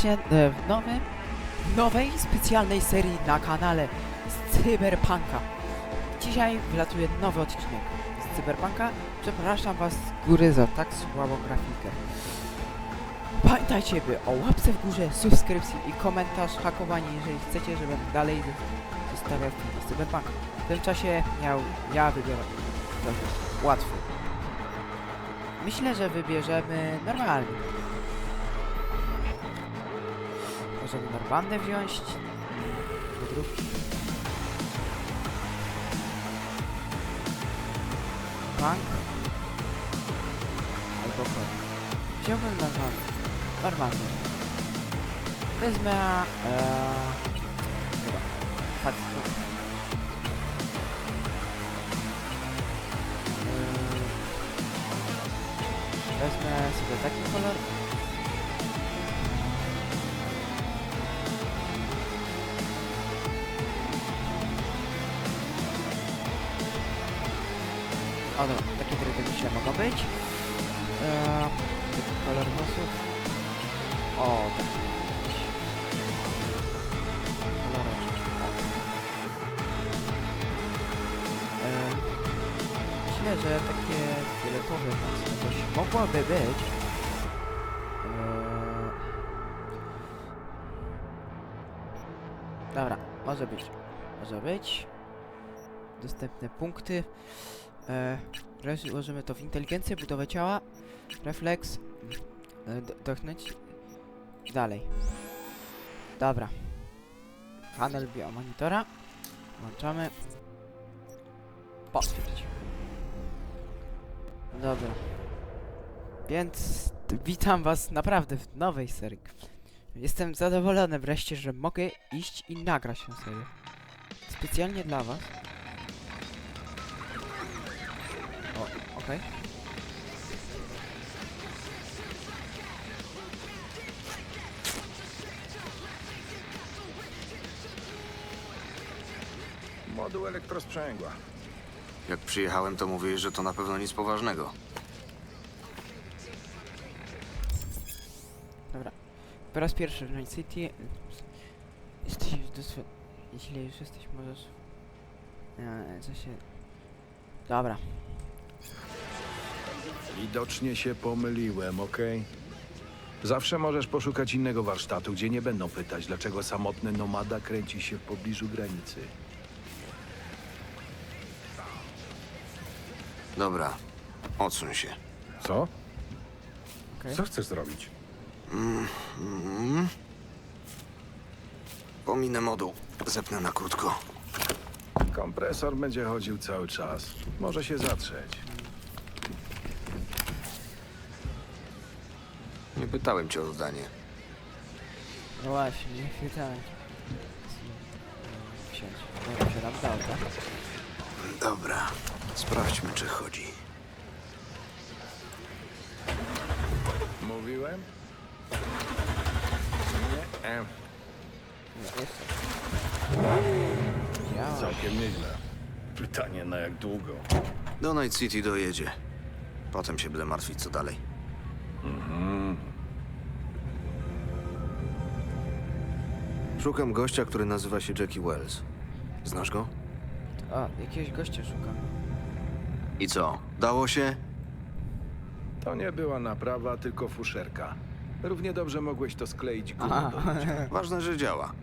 serdecznie w nowej specjalnej serii na kanale z Cyberpunka. Dzisiaj wylatuje nowy odcinek z Cyberpunka. Przepraszam was z góry za tak słabą grafikę. Pamiętajcie, by o łapce w górze, subskrypcji i komentarz, hakowanie, jeżeli chcecie, żebym dalej zostawiał filmy z Cyberpunka. W tym czasie ja wybiorę łatwy. Myślę, że wybierzemy normalny. Możemy normalne wziąć. Wydrówki. Punk. Albo kod. Wziąłbym normalny. Wezmę... chyba. Wezmę sobie taki kolor. O dobra, takie tryby myślę mogą być. Taki kolor włosów. O, tak. Koloreczek, tak. Myślę, że takie fioletowe mocno coś mogłoby być. Dobra, może być. Może być. Dostępne punkty. Ułożymy to w inteligencję, budowę ciała, refleks, dochnąć, dalej. Dobra. Panel biomonitora. Włączamy. Potwierdź. Dobra. Więc witam was naprawdę w nowej serii. Jestem zadowolony wreszcie, że mogę iść i nagrać tę serię. Specjalnie dla was. O, okej. Moduł elektrosprzęgła. Jak przyjechałem, to mówiłeś, że to na pewno nic poważnego. Dobra. Po raz pierwszy w Night City. Jeśli już jesteś, możesz... co się... Dobra. Widocznie się pomyliłem, okej? Zawsze możesz poszukać innego warsztatu, gdzie nie będą pytać, dlaczego samotny nomada kręci się w pobliżu granicy. Dobra, odsuń się. Co? Okej. Co chcesz zrobić? Pominę moduł. Zepnę na krótko. Kompresor będzie chodził cały czas. Może się zatrzeć. Nie pytałem cię o zdanie. No właśnie, nie chwytałem. Wsiądź. Dobra, się nam dał, tak? Dobra, sprawdźmy, czy chodzi. Mówiłem? Nie. Nie, jest. Działa. Całkiem nieźle. Pytanie na jak długo? Do Night City dojedzie. Potem się będę martwić, co dalej. Szukam gościa, który nazywa się Jackie Wells. Znasz go? O, jakiegoś gościa szukam. I co? Dało się? To nie była naprawa, tylko fuszerka. Równie dobrze mogłeś to skleić gumą Aha. do ludzia. Ważne, że działa.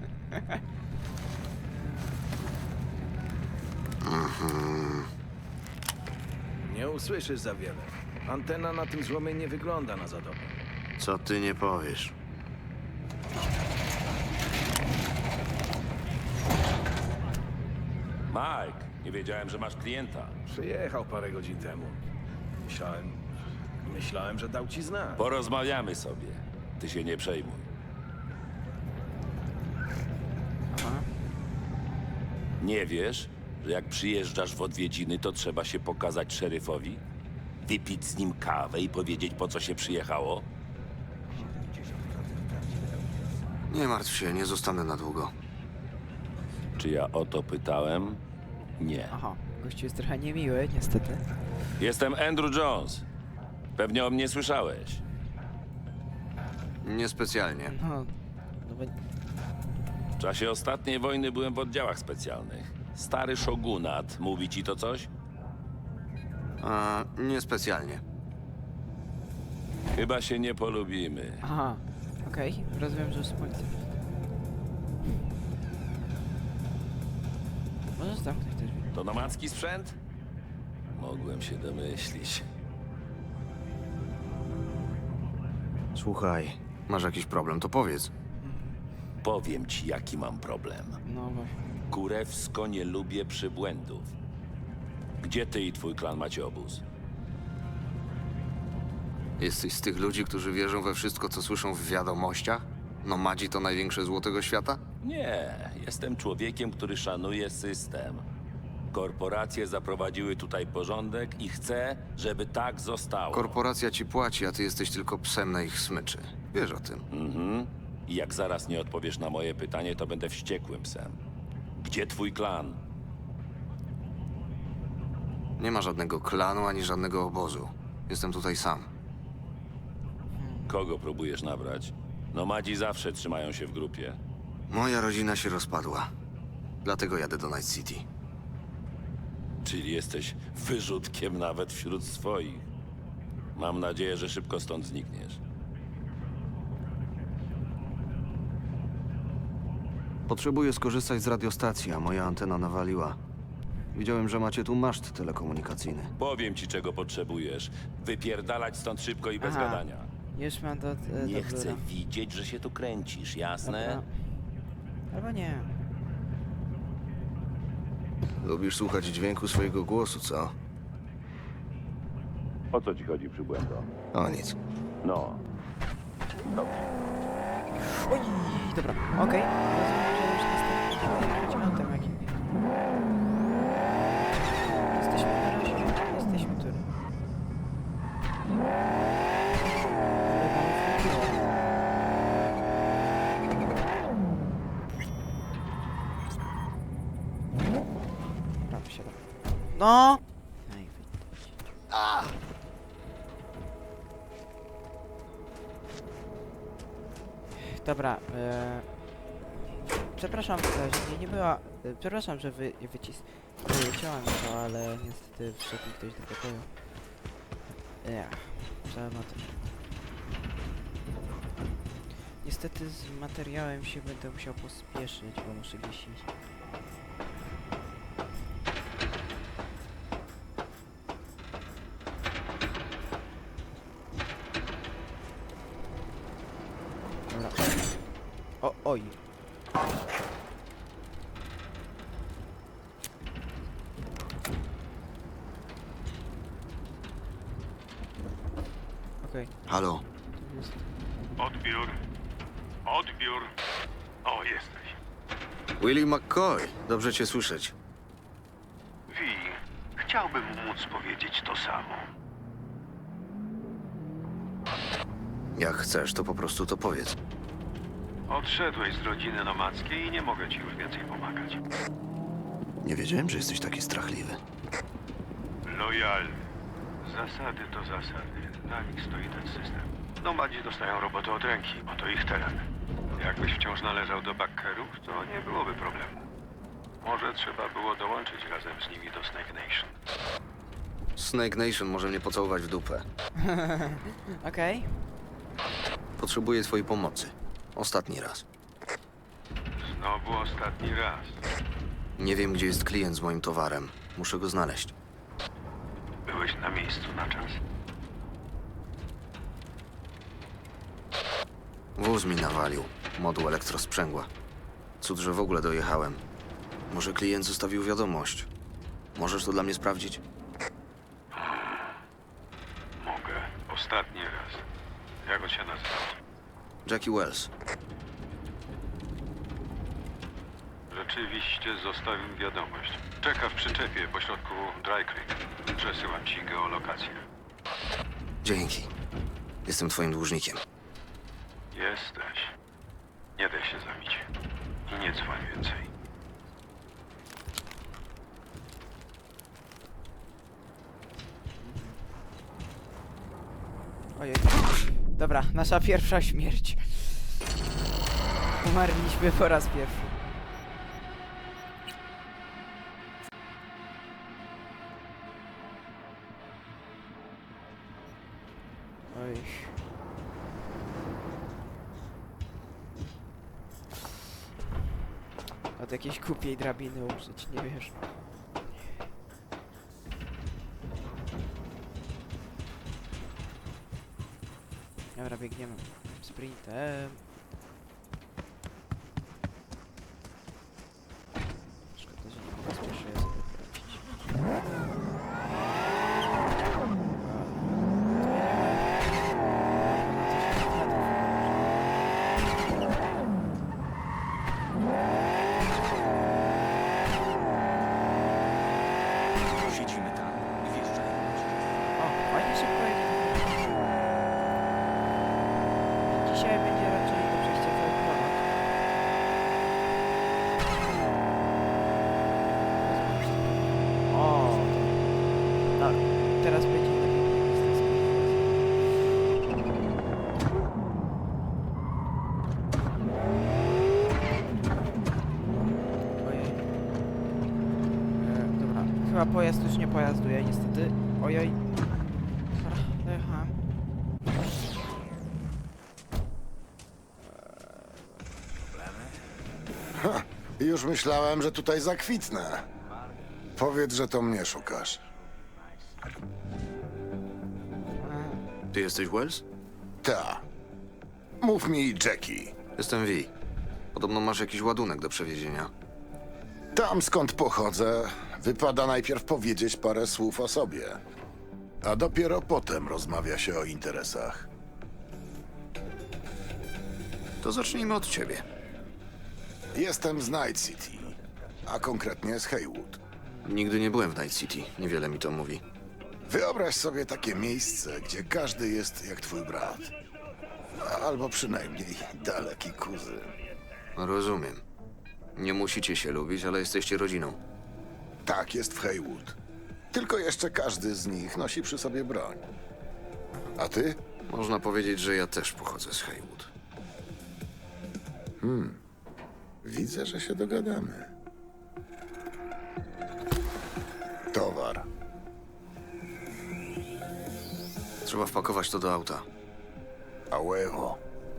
Nie usłyszysz za wiele. Antena na tym złomie nie wygląda na za dobrą. Co ty nie powiesz? Mike, nie wiedziałem, że masz klienta. Przyjechał parę godzin temu. Myślałem, że dał ci znać. Porozmawiamy sobie. Ty się nie przejmuj. Aha. Nie wiesz, że jak przyjeżdżasz w odwiedziny, to trzeba się pokazać szeryfowi? Wypić z nim kawę i powiedzieć, po co się przyjechało? Nie martw się, nie zostanę na długo. Czy ja o to pytałem? Nie. Aha, gościu jest trochę niemiły, niestety. Jestem Andrew Jones. Pewnie o mnie słyszałeś. Niespecjalnie. No bo... W czasie ostatniej wojny byłem w oddziałach specjalnych. Stary szogunat, mówi ci to coś? Niespecjalnie. Chyba się nie polubimy. Aha, okej. Rozumiem, że z policji. Możesz zamknąć też drzwi. To nomadzki sprzęt? Mogłem się domyślić. Słuchaj, masz jakiś problem, to powiedz. Powiem ci, jaki mam problem. No właśnie. Kurewsko nie lubię przybłędów. Gdzie ty i twój klan macie obóz? Jesteś z tych ludzi, którzy wierzą we wszystko, co słyszą w wiadomościach? Nomadzi to największe zło tego świata? Nie, jestem człowiekiem, który szanuje system. Korporacje zaprowadziły tutaj porządek i chcę, żeby tak zostało. Korporacja ci płaci, a ty jesteś tylko psem na ich smyczy. Wiesz o tym. I jak zaraz nie odpowiesz na moje pytanie, to będę wściekłym psem. Gdzie twój klan? Nie ma żadnego klanu ani żadnego obozu. Jestem tutaj sam. Kogo próbujesz nabrać? Nomadzi zawsze trzymają się w grupie. Moja rodzina się rozpadła. Dlatego jadę do Night City. Czyli jesteś wyrzutkiem nawet wśród swoich. Mam nadzieję, że szybko stąd znikniesz. Potrzebuję skorzystać z radiostacji, a moja antena nawaliła. Widziałem, że macie tu maszt telekomunikacyjny. Powiem ci, czego potrzebujesz. Wypierdalać stąd szybko i bez Aha. gadania. Już mam do Nie do chcę biura. widzieć, że się tu kręcisz, jasne? Dobra. Albo nie. Lubisz słuchać dźwięku swojego głosu, co? O co ci chodzi, przybłędo? O nic. No. Oj, dobra, okej. Rozumiem, że już następnym tem jakim. Jesteśmy na razie. Jesteśmy tu. Dobra, wysiadam. No! Ej, Dobra, przepraszam, że nie była. Przepraszam, że wyciąłem to, ale niestety wszedł mi ktoś do pokoju. Trzeba to. Niestety z materiałem się będę musiał pospieszyć, bo muszę gdzieś iść. Dobra. Oj. Okej, Halo? to jest. Odbiór. Odbiór. O, jesteś. Willie McCoy. Dobrze cię słyszeć. Wi, chciałbym móc powiedzieć to samo. Jak chcesz, to po prostu to powiedz. Odszedłeś z rodziny nomadzkiej i nie mogę ci już więcej pomagać. Nie wiedziałem, że jesteś taki strachliwy. Lojalny. Zasady to zasady. Na nich stoi ten system. Nomadzi dostają robotę od ręki. Oto ich teren. Jakbyś wciąż należał do bakkerów, to nie byłoby problemu. Może trzeba było dołączyć razem z nimi do Snake Nation. Snake Nation może mnie pocałować w dupę. Okej. Potrzebuję twojej pomocy. Ostatni raz. Znowu ostatni raz. Nie wiem, gdzie jest klient z moim towarem. Muszę go znaleźć. Byłeś na miejscu na czas. Wóz mi nawalił. Moduł elektrosprzęgła. Cud, że w ogóle dojechałem. Może klient zostawił wiadomość. Możesz to dla mnie sprawdzić? Mogę. Ostatni raz. Jak on się nazywał? Jackie Wells. Rzeczywiście zostawił wiadomość. Czeka w przyczepie pośrodku Dry Creek. Przesyłam ci geolokację. Dzięki. Jestem twoim dłużnikiem. Jesteś. Nie daj się zabić. I nie dzwoń więcej. Ojej. Dobra, nasza pierwsza śmierć. Umarliśmy po raz pierwszy. Oj. Od jakiejś głupiej drabiny użyć, nie wiesz. Dobra, biegniemy sprintem. Szkoda, że nie mogę spieszę sobie wrócić. Siedzimy tam i wjeżdżają. O, fajnie szybko jedzie. Dzisiaj będzie raczej do przejścia cały klimat. O, tak. Teraz będzie lepiej. Ojej. Dobra, chyba pojazd już nie pojazduje, niestety. Ojoj. Dobra, dojechałem. Już myślałem, że tutaj zakwitnę. Powiedz, że to mnie szukasz. Ty jesteś Wells? Ta. Mów mi, Jackie. Jestem V. Podobno masz jakiś ładunek do przewiezienia. Tam, skąd pochodzę, wypada najpierw powiedzieć parę słów o sobie. A dopiero potem rozmawia się o interesach. To zacznijmy od ciebie. Jestem z Night City, a konkretnie z Haywood. Nigdy nie byłem w Night City. Niewiele mi to mówi. Wyobraź sobie takie miejsce, gdzie każdy jest jak twój brat. Albo przynajmniej daleki kuzyn. Rozumiem. Nie musicie się lubić, ale jesteście rodziną. Tak jest w Haywood. Tylko jeszcze każdy z nich nosi przy sobie broń. A ty? Można powiedzieć, że ja też pochodzę z Haywood. Widzę, że się dogadamy. Towar. Trzeba wpakować to do auta. A huevo.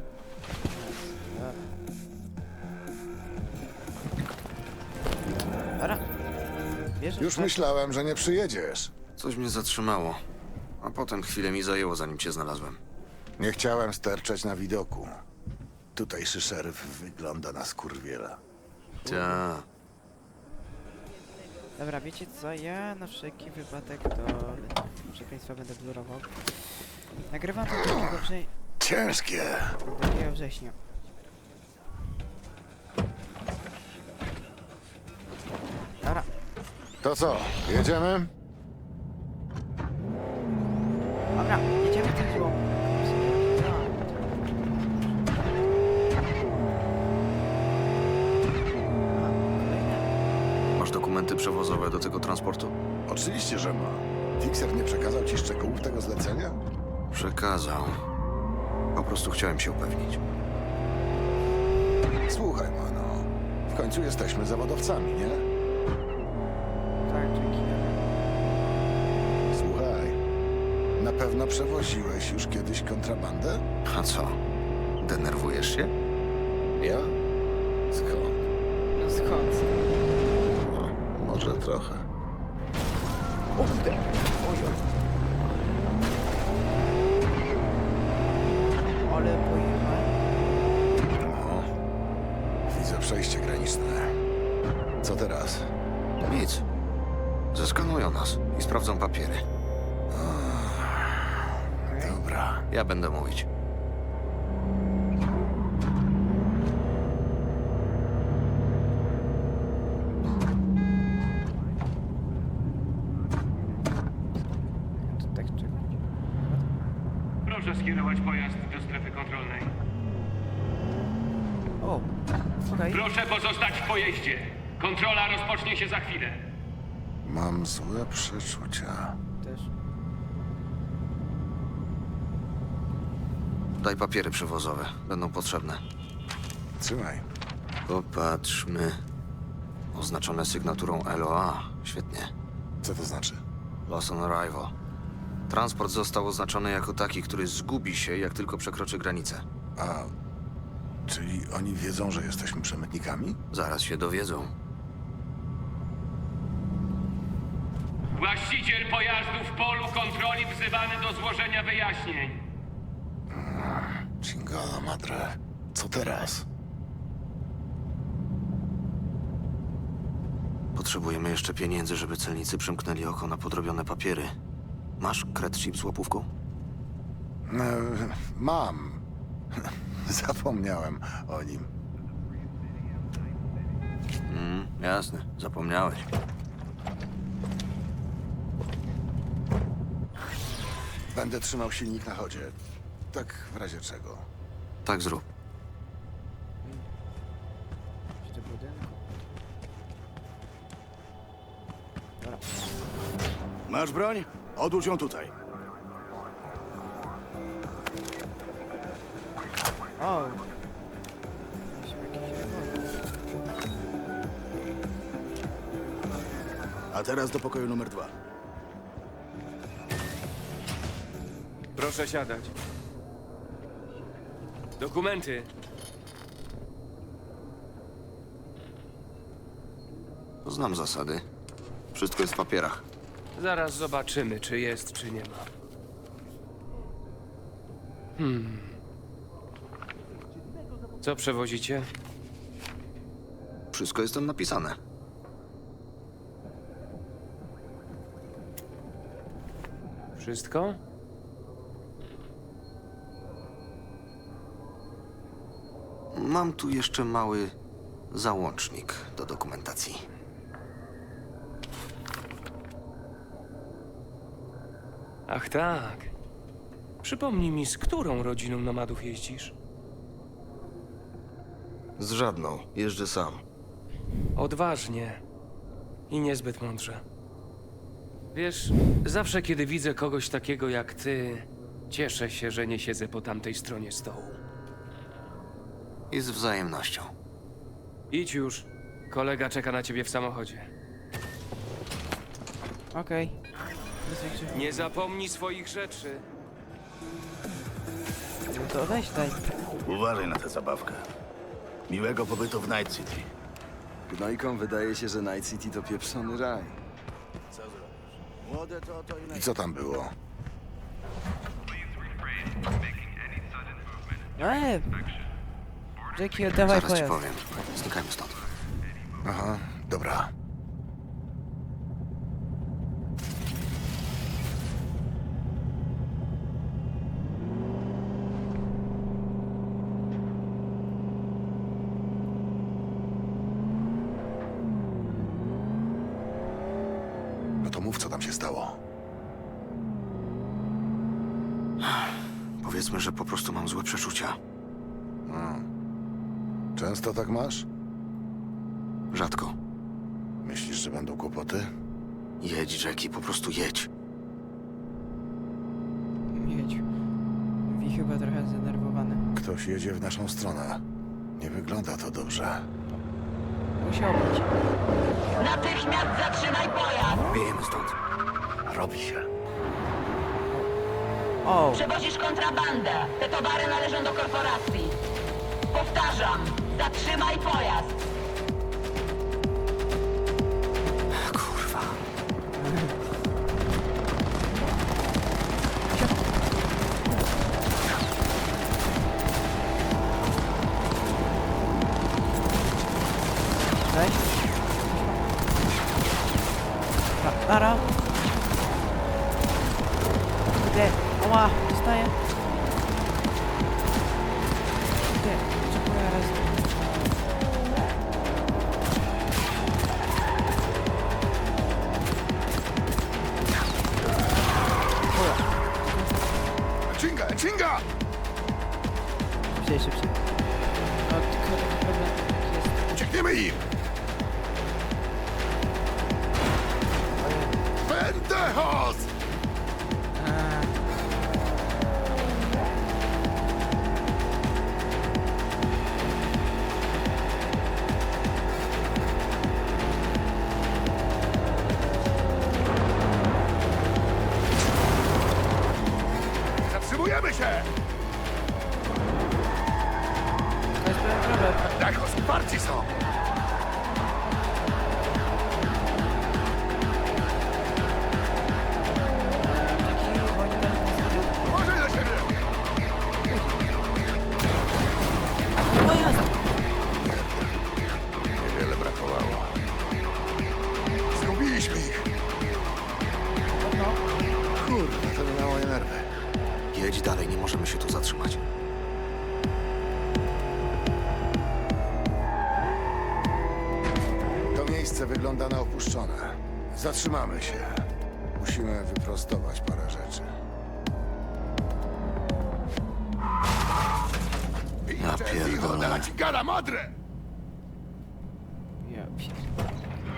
Dobra. Bierzesz Już tak? myślałem, że nie przyjedziesz. Coś mnie zatrzymało, a potem chwilę mi zajęło, zanim cię znalazłem. Nie chciałem sterczeć na widoku. Tutejszy szeryf wygląda na skurwiela. Ta. Dobra, wiecie co? Ja na wszelki wypadek do przekleństwa będę blurował. Nagrywam to Ciężkie. 2 września. Dobra, To co, jedziemy? dobra, jedziemy tym złą. Masz dokumenty przewozowe do tego transportu? Oczywiście, że ma. Fixer nie przekazał ci szczegółów tego zlecenia? Przekazał. Po prostu chciałem się upewnić. Słuchaj, mano. W końcu jesteśmy zawodowcami, nie? Tak, dzięki. Słuchaj. Na pewno przewoziłeś już kiedyś kontrabandę? A co? Denerwujesz się? Ja? Skąd? No skąd? No, może trochę. O kurde! Ojoj. Ale pojechałem. No. Widzę przejście graniczne. Co teraz? Nic. Zeskanują nas i sprawdzą papiery. Dobra. Ja będę mówić. To tak czekać. Proszę skierować pojazd do strefy kontrolnej. O, okej. Proszę pozostać w pojeździe. Kontrola rozpocznie się za chwilę. Mam złe przeczucia. Też. Daj papiery przewozowe. Będą potrzebne. Trzymaj. Popatrzmy. Oznaczone sygnaturą LOA. Świetnie. Co to znaczy? Lost on arrival. Transport został oznaczony jako taki, który zgubi się, jak tylko przekroczy granicę. A, czyli oni wiedzą, że jesteśmy przemytnikami? Zaraz się dowiedzą. Właściciel pojazdu w polu kontroli wzywany do złożenia wyjaśnień. Chingala madre. Co teraz? Potrzebujemy jeszcze pieniędzy, żeby celnicy przymknęli oko na podrobione papiery. Masz cred chip z łapówką? Mam. Zapomniałem o nim. Jasne. Zapomniałeś. Będę trzymał silnik na chodzie. Tak w razie czego. Tak zrób. Jeszcze budynku. Dobra. Masz broń? Odłóż ją tutaj. O! Mieliśmy jakiś rewolwer. A teraz do pokoju numer 2. Proszę siadać. Dokumenty. Znam zasady. Wszystko jest w papierach. Zaraz zobaczymy, czy jest, czy nie ma. Co przewozicie? Wszystko jest tam napisane. Wszystko? Mam tu jeszcze mały załącznik do dokumentacji. Ach tak. Przypomnij mi, z którą rodziną nomadów jeździsz? Z żadną. Jeżdżę sam. Odważnie. I niezbyt mądrze. Wiesz, zawsze kiedy widzę kogoś takiego jak ty, cieszę się, że nie siedzę po tamtej stronie stołu. I z wzajemnością. Idź już. Kolega czeka na ciebie w samochodzie. Okej. Bez większych... Nie zapomnij swoich rzeczy. No to weź daj. Uważaj na tę zabawkę. Miłego pobytu w Night City. Gnojkom wydaje się, że Night City to pieprzony raj. Co zrobisz? Młode to i I co tam było? Jackie, oddawaj Zaraz ci pojazd. powiem. Znikajmy stąd. Aha, dobra. No to mów, co tam się stało. Powiedzmy, że po prostu mam złe przeczucia. Często tak masz? Rzadko. Myślisz, że będą kłopoty? Jedź, Jackie, po prostu jedź. Jedź. Wi chyba trochę zdenerwowany. Ktoś jedzie w naszą stronę. Nie wygląda to dobrze. Musiał być. Natychmiast zatrzymaj pojazd! Wiejemy stąd. robi się. O! Przewozisz kontrabandę. Te towary należą do korporacji. Powtarzam, zatrzymaj pojazd! Kurwa. Weź. Nara. Gdzie? Oła, dostaję. Gdzie? Czekuję raz. Chinga, chinga! Szybciej, szybciej. No, tylko taki problem jest. Uciekniemy im! Pendejos! Parci są! Uważaj na siebie! Niewiele brakowało. Zgubiliśmy ich! Kurde, to mi mało nerwy. Jedź dalej, nie możemy się tu zatrzymać. To miejsce wygląda na opuszczone. Zatrzymamy się. Musimy wyprostować parę rzeczy. Ja pierdolę. Gada madre! Ja pierdolę.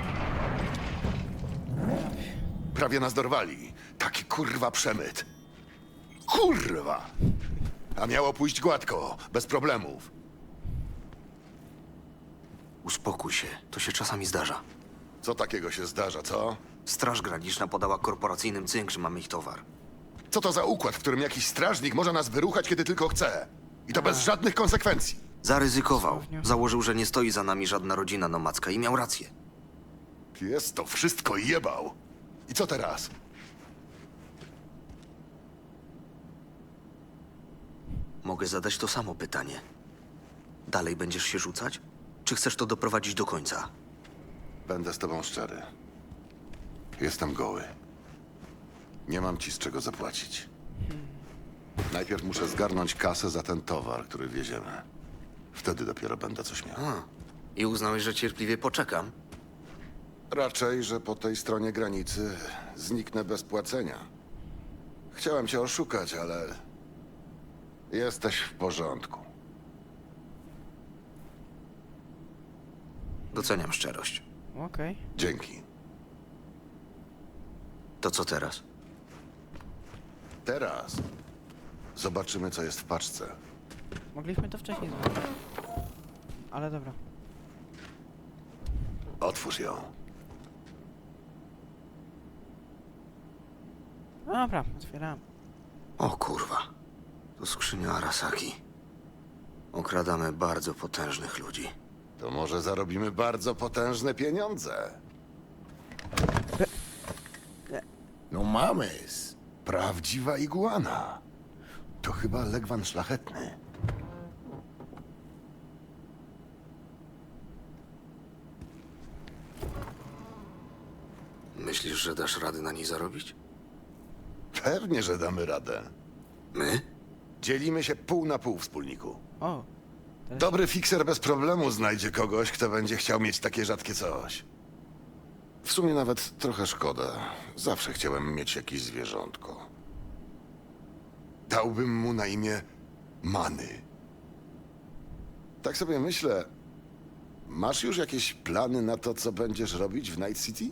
Prawie nas dorwali. Taki kurwa przemyt. Kurwa! A miało pójść gładko, bez problemów. Uspokój się, to się czasami zdarza. Co takiego się zdarza, co? Straż Graniczna podała korporacyjnym cynk, że mamy ich towar. Co to za układ, w którym jakiś strażnik może nas wyruchać, kiedy tylko chce? I to bez żadnych konsekwencji. Zaryzykował. Założył, że nie stoi za nami żadna rodzina nomadzka i miał rację. Jest to wszystko jebał. I co teraz? Mogę zadać to samo pytanie. Dalej będziesz się rzucać? Czy chcesz to doprowadzić do końca? Będę z tobą szczery. Jestem goły. Nie mam ci z czego zapłacić. Najpierw muszę zgarnąć kasę za ten towar, który wieziemy. Wtedy dopiero będę coś miał. I uznałeś, że cierpliwie poczekam? Raczej, że po tej stronie granicy zniknę bez płacenia. Chciałem cię oszukać, ale jesteś w porządku. Doceniam szczerość. Okej. Dzięki. To co teraz? Teraz zobaczymy, co jest w paczce. Mogliśmy to wcześniej zrobić. Ale dobra. Otwórz ją. Dobra, otwieram. O kurwa. To skrzynia Arasaki. Okradamy bardzo potężnych ludzi. To może zarobimy bardzo potężne pieniądze. No mamys. Prawdziwa iguana. To chyba legwan szlachetny. Myślisz, że dasz radę na niej zarobić? Pewnie, że damy radę. My? Dzielimy się pół na pół, wspólniku. O. Dobry fikser bez problemu znajdzie kogoś, kto będzie chciał mieć takie rzadkie coś. W sumie nawet trochę szkoda. Zawsze chciałem mieć jakieś zwierzątko. Dałbym mu na imię Many. Tak sobie myślę, masz już jakieś plany na to, co będziesz robić w Night City?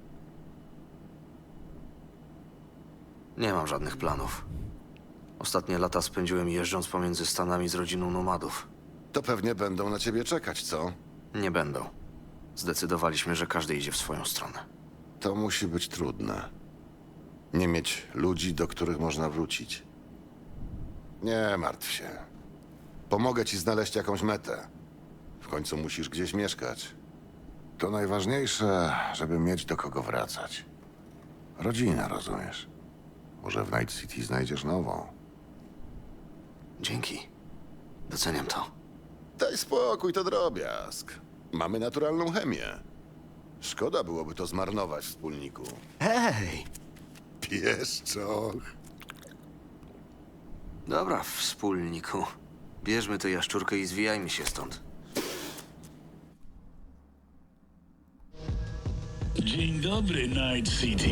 Nie mam żadnych planów. Ostatnie lata spędziłem jeżdżąc pomiędzy Stanami z rodziną nomadów. To pewnie będą na ciebie czekać, co? Nie będą. Zdecydowaliśmy, że każdy idzie w swoją stronę. To musi być trudne. Nie mieć ludzi, do których można wrócić. Nie martw się. Pomogę ci znaleźć jakąś metę. W końcu musisz gdzieś mieszkać. To najważniejsze, żeby mieć do kogo wracać. Rodzina, rozumiesz? Może w Night City znajdziesz nową. Dzięki. Doceniam to. Daj spokój, to drobiazg. Mamy naturalną chemię. Szkoda byłoby to zmarnować, wspólniku. Hej! Pieszczoch. Dobra, wspólniku. Bierzmy tę jaszczurkę i zwijajmy się stąd. Dzień dobry, Night City.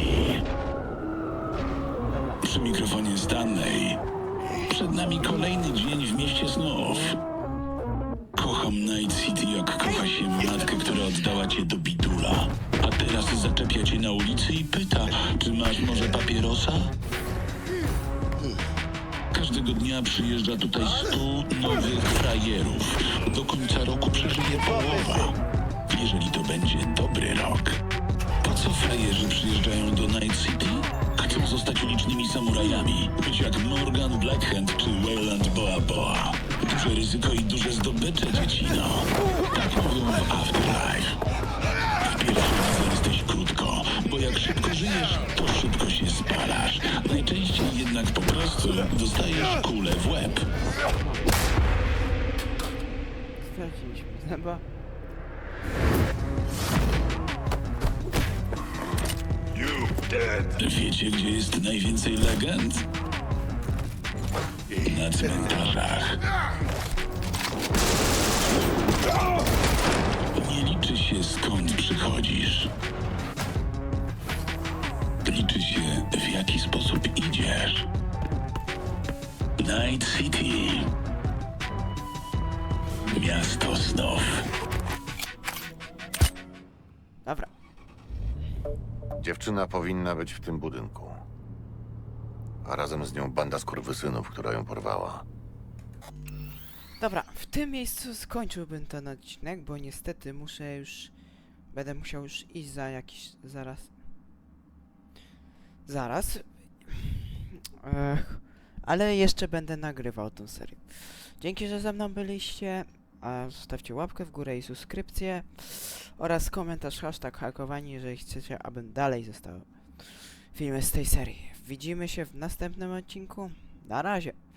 Przy mikrofonie Stanley. Przed nami kolejny dzień w mieście snów. Kocham Night City, jak kocha się matkę, która oddała cię do bidula. A teraz zaczepia cię na ulicy i pyta, czy masz może papierosa? Każdego dnia przyjeżdża tutaj 100 nowych frajerów. Do końca roku przeżyje połowa. Jeżeli to będzie dobry rok. Po co frajerzy przyjeżdżają do Night City? Chcą zostać ulicznymi samurajami. Być jak Morgan Blackhand czy Wayland Boa Boa. Duże ryzyko i duże zdobycze, dziecino. Tak miejscu dostajesz kulę w łeb. Straciliśmy zęba. Wiecie, gdzie jest najwięcej legend? Na cmentarzach. Nie liczy się, skąd przychodzisz. Liczy się, w jaki sposób idziesz. Night City. Miasto snów. Dobra. Dziewczyna powinna być w tym budynku. A razem z nią banda skurwysynów, która ją porwała. Dobra, w tym miejscu skończyłbym ten odcinek, bo niestety muszę już... Będę musiał już iść za jakiś... Zaraz. Ale jeszcze będę nagrywał tę serię. Dzięki, że ze mną byliście. A zostawcie łapkę w górę i subskrypcję. Oraz komentarz #hakowani, jeżeli chcecie, abym dalej został filmy z tej serii. Widzimy się w następnym odcinku. Na razie.